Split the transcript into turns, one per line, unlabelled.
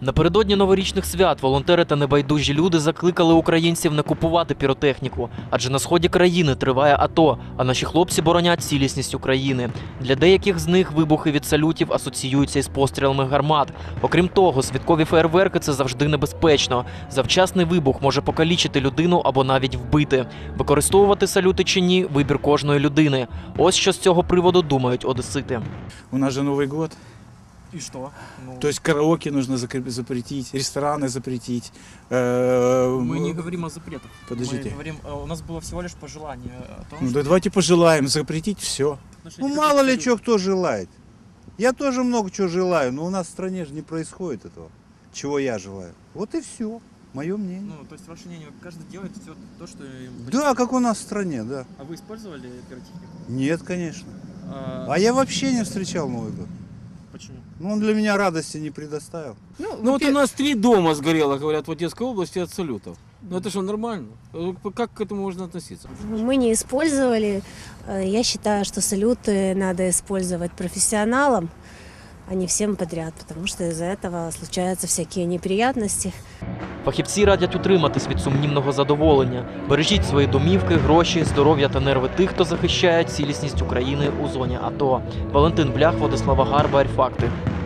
Напередодні новорічних свят волонтери та небайдужі люди закликали українців не купувати піротехніку, адже на сході країни триває АТО, а наші хлопці боронять цілісність України. Для деяких з них вибухи від салютів асоціюються із пострілами гармат. Окрім того, святкові феєрверки – це завжди небезпечно. Завчасний вибух може покалічити людину або навіть вбити. Використовувати салюти чи ні – вибір кожної людини. Ось що з цього приводу думають одесити.
У нас же Новый год.
И что? Ну,
То есть караоке нужно запретить, рестораны запретить.
мы не говорим о запретах.
Подождите.
Мы говорим, у нас было всего лишь пожелание о том,
Ну,
что...
да давайте пожелаем запретить все.
отношение
Ну
к
мало ли
салюту.
что кто желает. Я тоже много чего желаю, но у нас в стране же не происходит этого, чего я желаю. Вот и все, мое мнение.
Ну, то есть ваше мнение, каждый делает все то, что... им
Да, как у нас в стране, да.
А вы использовали пиротехнику?
Нет, конечно.
А,
А я вообще не встречал Новый год.
Почему?
Ну, он для меня радости не предоставил.
Ну вот у нас 3 дома сгорело, говорят, в Одесской области от салютов. Ну это что, нормально? Как к этому можно относиться?
Мы не использовали. Я считаю, что салюты надо использовать профессионалам, а не всем подряд, потому что из-за этого случаются всякие неприятности.
Фахівці радять утриматись від сумнівного задоволення. Бережіть свої домівки, гроші, здоров'я та нерви тих, хто захищає цілісність України у зоні АТО. Валентин Блях, Владислава Гарба, Факти.